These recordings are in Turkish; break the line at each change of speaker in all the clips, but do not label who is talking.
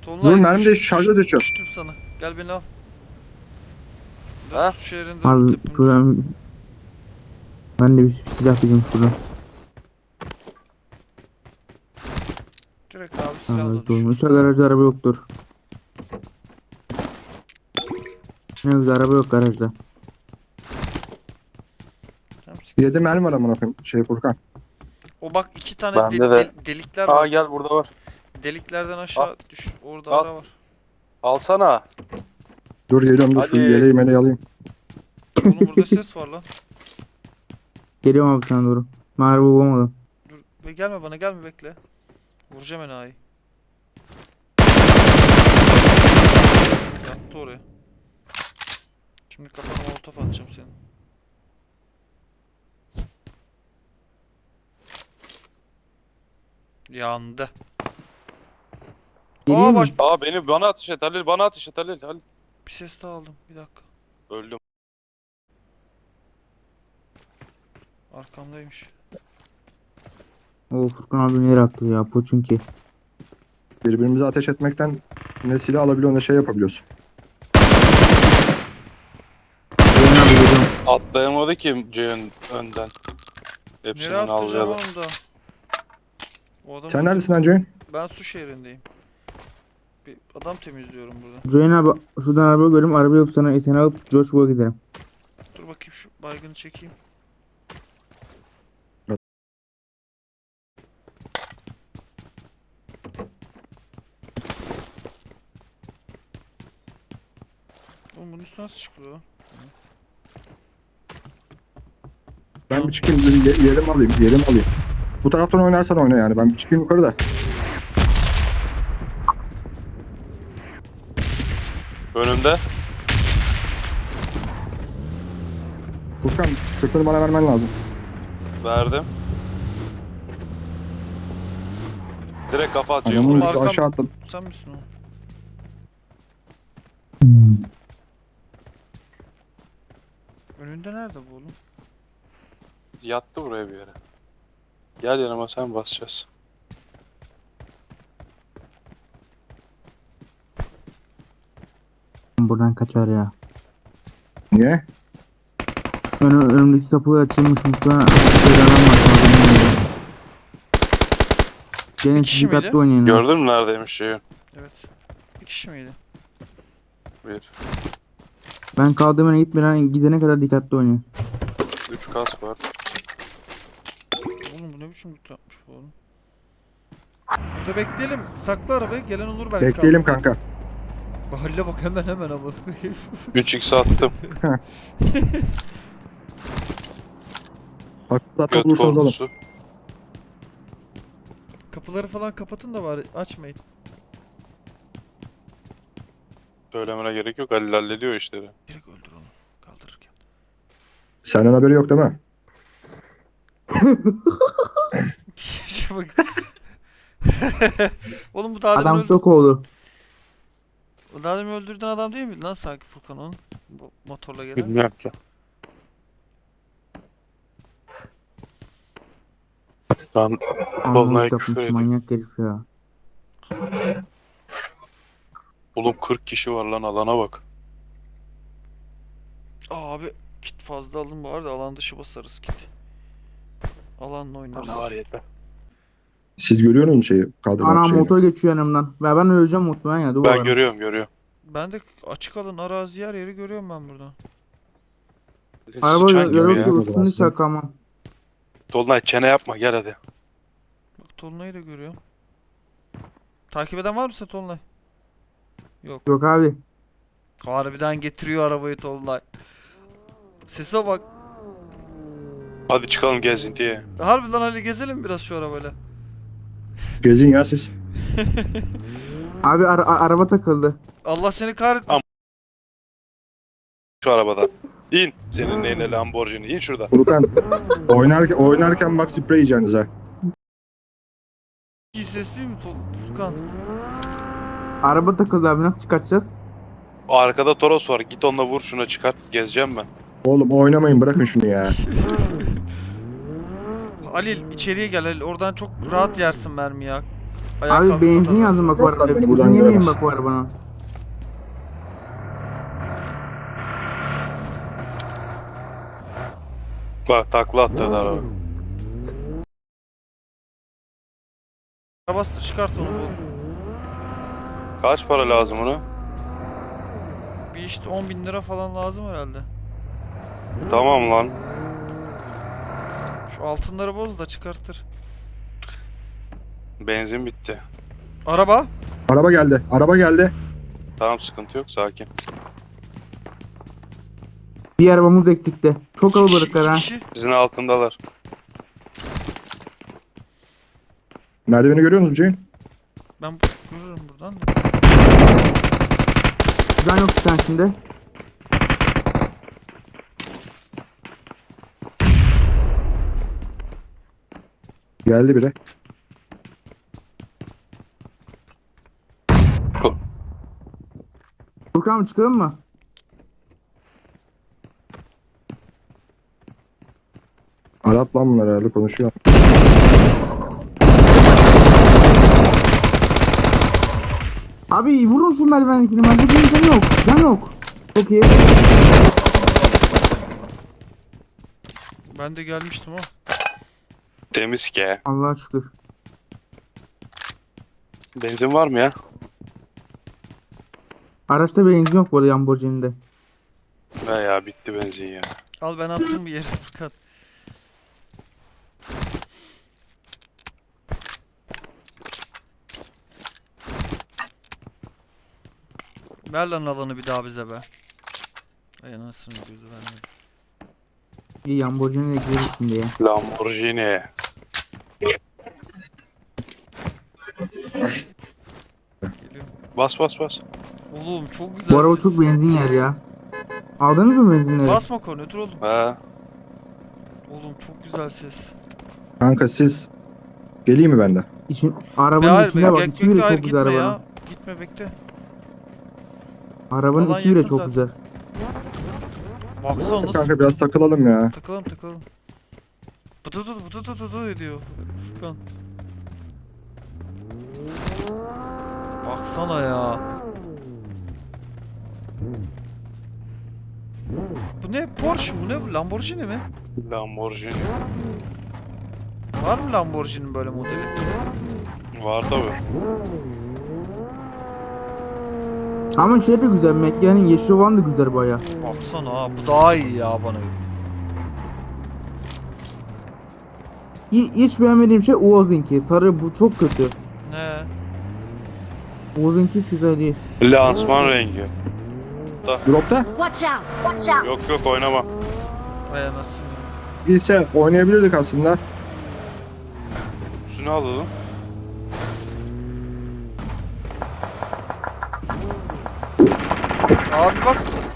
Dur
mermi de şarja düşüyor.
Düştüm sana. Gel beni al.
Ha?
Su şehrinde
Abi
tepemde.
şuradan ben de bir silah buldum şuradan.
Direkt abi
Tamam
silahla
evet oğlum.
düşüyorsun.
İnşallah garajda araba yoktur. Ne güzel araba yok garajda.
Tamam,
7 mermi var amına koyayım. Furkan.
o bak iki tane
Bende de.
delikler
Aa
var.
gel burada var.
Deliklerden aşağı düş. Orada
Al.
ara var.
Alsana.
Dur geliyorum, dur şu
Hadi.
yeleği meleği alayım.
Oğlum burada ses var lan.
Geliyorum abi sana doğru. Ben araba bulamadım.
Dur ve gelme bana, gelme, bekle. Vuracağım enayi. Yattı oraya. Şimdi kafana molotof atacağım senin. Yandı.
Geleyim mi?
Aa bana ateş et Halil, bana ateş et Halil.
Bir ses daha aldım. Bir dakika.
Öldüm.
Arkamdaymış.
O Furkan abi nereye attı ya Poçunki.
Birbirimize ateş etmekten ne silah alabiliyor ne şey yapabiliyorsun.
Gelin abi geliyorum.
Atlayamadı ki Ceyhun önden.
Nereye
Hepsini
atlayacağım
alacağım.
oğlum da? O adam
Sen neredesin lan Ceyhun?
Ben su şehrindeyim. Bir adam temizliyorum burada.
Join abi şuradan araba görüyorum. Araba yok sana seni alıp Joshua giderim.
Dur bakayım şu baygını çekeyim. Oğlum bunun üstüne nasıl çıkıyor?
Ben bir çıkayım, yerimi alayım. Bu taraftan oynarsan oyna yani. Ben bir çıkayım yukarı da.
Önümde.
Furkan sırtını bana vermen lazım.
Verdim. Direkt kafa atacağım
Adamın
buraya.
Arkam-
aşağı atladı.
Sen misin o? Önünde nerede bu oğlum?
Yattı buraya bir yere. Gel yanıma, sen basacağız.
Buradan kaçar ya.
Niye?
Önümdeki kapı açılmış muhtemelen bir adam var. Sana bilmiyorum. Gene
Bir kişi
dikkatli
miydi?
oynayın.
Gördün mü neredeymiş Ceyhun?
Evet. Bir kişi miydi?
Bir.
Ben kaldığım yere gitmeden gidene kadar dikkatli oynayın.
3 kask var.
Oğlum bu ne biçim loot yapmış bu oğlum? Burada bekleyelim. Sakla arabayı. Gelen olur belki.
Bekleyelim kanka.
Halle bak hemen alır.
3x attım.
Hatta
Göt
bulursanız alın.
korkusu.
Kapıları falan kapatın da bari açmayın.
Söylemene gerek yok. Halil hallediyor işleri.
Direkt öldür onu kaldırırken.
Senden haberi yok değil mi?
Şuna bak. Oğlum bu daha demin
Adam şok oldu.
daha demin öldürdüğün adam değil miydi lan sanki Furkan onun? Bu motorla gelen.
Bilmiyorum ki. Ben Dolunay
Anlamak
küfür
yapmış
edeyim.
manyak herif ya.
Oğlum 40 kişi var lan, alana bak.
Abi kit fazla alın bari de alan dışı basarız kit. Alanla oynarız.
Ne var yeter.
Siz görüyor musunuz şeyi? Kaldırma
Anam
şeyini.
motor geçiyor yanımdan. Ve ben öleceğim muhtemelen ya. Dur
Ben
bakalım.
görüyorum.
Ben de açık alın arazi yer yeri görüyorum ben buradan.
Araba
Sıçan gibi
yarı
ya.
üstünü
aslında.
çakamam.
Dolunay çene yapma, gel hadi.
Bak Tolunay'ı da görüyorum. Takip eden var mı sen Tolunay? Yok.
Yok abi.
Harbiden getiriyor arabayı Tolunay. Sese bak.
Hadi çıkalım gezintiye.
Harbiden hadi gezelim biraz şu arabayla.
Gezin ya siz.
Abi araba takıldı.
Allah seni kahretmesin.
Şu arabadan. İn. Senin neyine Lamborghini. İn şuradan.
Furkan oynarken bak sprey yiyeceksiniz ha.
İyi ses değil mi Furkan?
Araba takıldı abi nasıl çıkartacağız?
O arkada Toros var. Git onunla vur, şuna çıkart. Gezeceğim ben.
Oğlum oynamayın, bırakın şunu ya.
Halil içeriye gel Halil. Oradan çok rahat yersin mermi ya. Ayağa
Abi
kalkmadan
benzin
lazım.
yazdım bak bu
Yok lan,
arada.
beni buradan
Benzin yemeyin
göremez.
bak bu arabana.
Bak takla attı araba.
Bastır çıkart onu bu.
Kaç para lazım ona?
Bir işte 10.000 lira falan lazım herhalde.
Tamam lan.
Şu altınları boz da çıkartır.
Benzin bitti.
Araba.
Araba geldi. Araba geldi.
Tamam sıkıntı yok sakin.
Bir arabamız eksikti. Çok
İki kişi,
kalabalıklar
iki
ha.
kişi.
Sizin altındalar.
Merdiveni görüyor musun Ceyhun?
Ben görürüm buradan da.
Can yok sen şimdi.
Geldi biri.
Furkan abi çıkalım mı?
Arap lan bunlar herhalde konuşuyor.
Abi vurun şu merdivendekini. Ben bu can yok. Can yok. Çok iyi.
Ben de gelmiştim o.
Temiz ki.
Allah'a şükür.
Benzin var mı ya?
Araçta benzin yok bu arada Lamborghini'de.
He ya bitti benzin ya.
Al ben attım bir yere Furkan. Ver lan alanı bir daha bize be. Ay anasını gözü vermedi.
İyi Lamborghini'ye gireriz şimdi ya.
Lamborghini.
Geliyor.
Bas bas bas.
Oğlum çok güzel
Bu araba
ses.
çok benzin yer ya. Aldınız mı benzinleri?
Basma kornetör oğlum.
He.
Oğlum çok güzel ses.
Kanka siz geleyim mi bende?
İçin,
Be
arabanın
hayır
içine
be,
bak.
gel,
İçi bile
hayır
çok güzel
gitme
arabanın.
ya. Gitme bekle.
Arabanın
Alan
içi bile
yakın
çok
zaten.
güzel.
Baksana nasıl
Kanka biraz takılalım ya.
takılalım takılalım. Bıtı ediyor Furkan. Baksana ya. Bu ne? Porsche mu ne bu? Lamborghini mi?
Lamborghini.
Var mı Lamborghini'nin böyle modeli?
Var tabi.
Ama şey de güzel. McLaren'in yeşil olan da güzel baya.
Baksana ha bu daha iyi ya bana.
Hiç beğenmediğim şey Uaz'ınki. Sarı bu çok kötü.
Ne?
Uaz'ınki hiç güzel değil.
Lansman rengi.
Dropta
Watch out! Watch out!
Yok yok oynama.
Vay anasını.
gitse oynayabilirdik aslında.
Üstüne alalım.
Abi bak.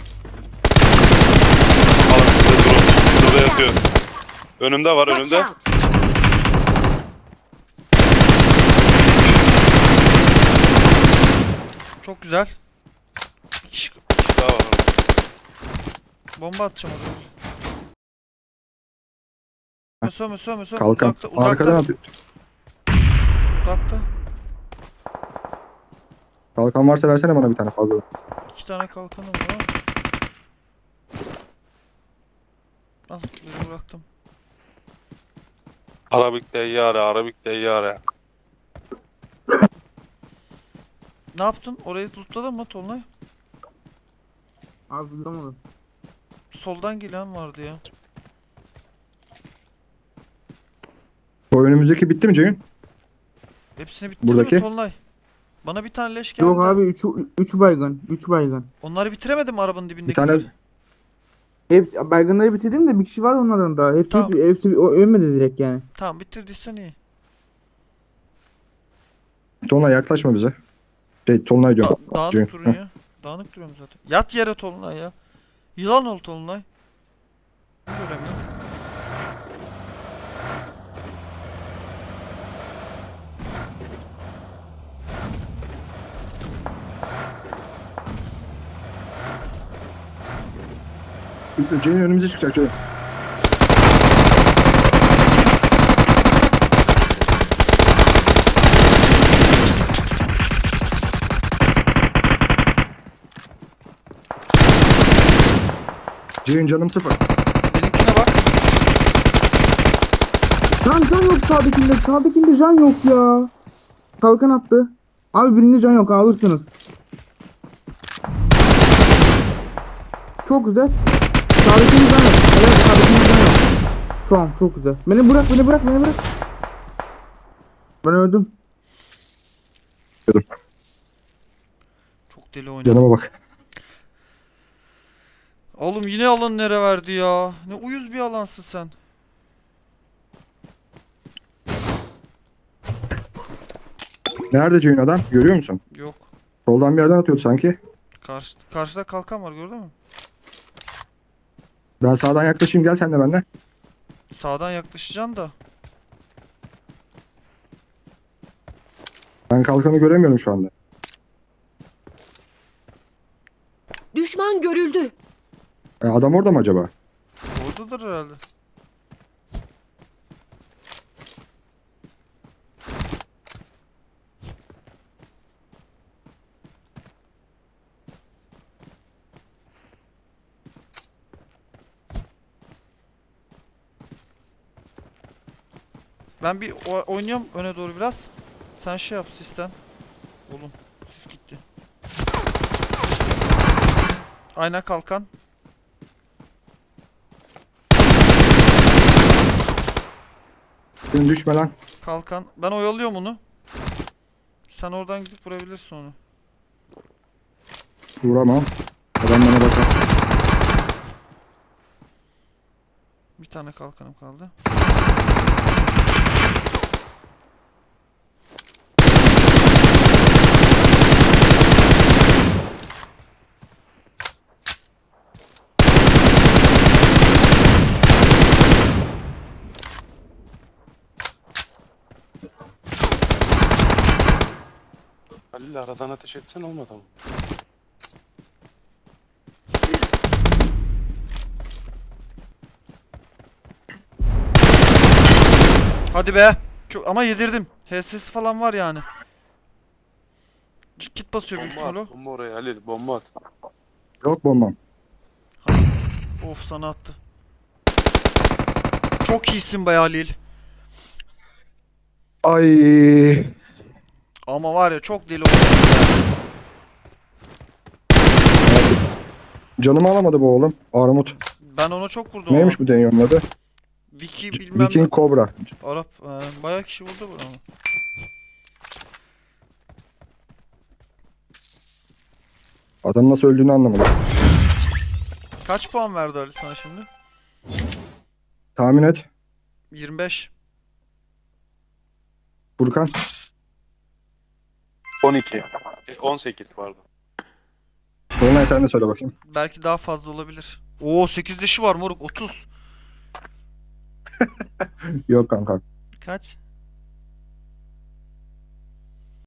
Alın size drone. Şurada yatıyor. Önümde var
Watch
önümde.
out!
Çok güzel. Bir kişi
Daha var.
bomba atacağım oraya. Söme.
Kalkan.
Uzakta.
Arkadan
Uzakta.
kalkan varsa versene bana bir tane fazla.
2 tane kalkanım var ama. Al birini bıraktım.
Arabik teyyare, Arabik teyyare.
Ne yaptın? Orayı lootladın mı Tolunay?
Abi bulamadım.
Soldan gelen vardı ya.
O önümüzdeki bitti mi Ceyhun?
Hepsini bitirdin
Buradaki?
mi Tolunay? Bana bir tane leş geldi.
Yok abi 3 baygın. 3 baygın.
Onları bitiremedim mi arabanın dibindeki?
Bir tane
Hep baygınları bitirdim de bir kişi var onlardan daha. Hepsi,
Tamam.
hepsi o ölmedi direkt yani.
Tamam bitirdiysen iyi.
Tolunay yaklaşma bize. Tolunay diyorum.
Dağınık
Ceyhun.
durun ya. Dağınık duruyorum zaten. Yat yere Tolunay ya. Yılan ol Tolunay. Göremiyorum.
Ceyhun önümüze çıkacak Ceyhun. Ceyhun canım sıfır.
Benimkine bak.
Can yok sağdakinde. Sağdakinde can yok ya. Kalkan attı. Abi birinde can yok alırsınız. Çok güzel. Sağdakinde can yok. Evet sağdakinde can yok. Şu an çok güzel. Beni bırak. Ben öldüm.
Çok deli oynadım.
Canıma bak.
Oğlum yine alan nere verdi ya? Ne uyuz bir alansın sen.
Nerede Ceyhun adam? Görüyor musun?
Yok.
Soldan bir yerden atıyordu sanki.
Karşıda kalkan var gördün mü?
Ben sağdan yaklaşayım, gel sen de benimle.
Sağdan yaklaşacaksın da.
Ben kalkanı göremiyorum şu anda.
Düşman görüldü.
Adam orada mı acaba?
Oradadır herhalde. Ben bir oynuyorum öne doğru biraz. Sen şey yap sistem. Oğlum sis gitti. Ayna kalkan.
Senin düşme lan.
Kalkan. Ben oyalıyorum onu. Sen oradan gidip vurabilirsin onu.
Vuramam. Adam bana bakar.
Bir tane kalkanım kaldı.
Halil aradan ateş etsen olmadı mı?
Hadi be. Çok ama yedirdim. HS'si falan var yani. Kit basıyor büyük
Bomba
ihtimal o.
at. Bomba oraya Halil. Bomba at.
Yok bombam.
Of sana attı. Çok iyisin be Halil.
Ay.
Ama var ya çok deli oynadın ya.
Canımı alamadı bu oğlum. Armut.
Ben ona çok vurdum
Neymiş
ama.
bu Denyon'un adı?
Vicky bilmem
Viking Cobra.
Arap. Bayağı kişi vurdu bana.
Adam nasıl öldüğünü anlamadım.
Kaç puan verdi Ali sana şimdi?
Tahmin et.
25.
Furkan.
12. 18 pardon.
Dolunay sen de söyle bakayım.
Belki daha fazla olabilir. Oo 8 dişi var moruk 30.
Yok kanka.
Kaç?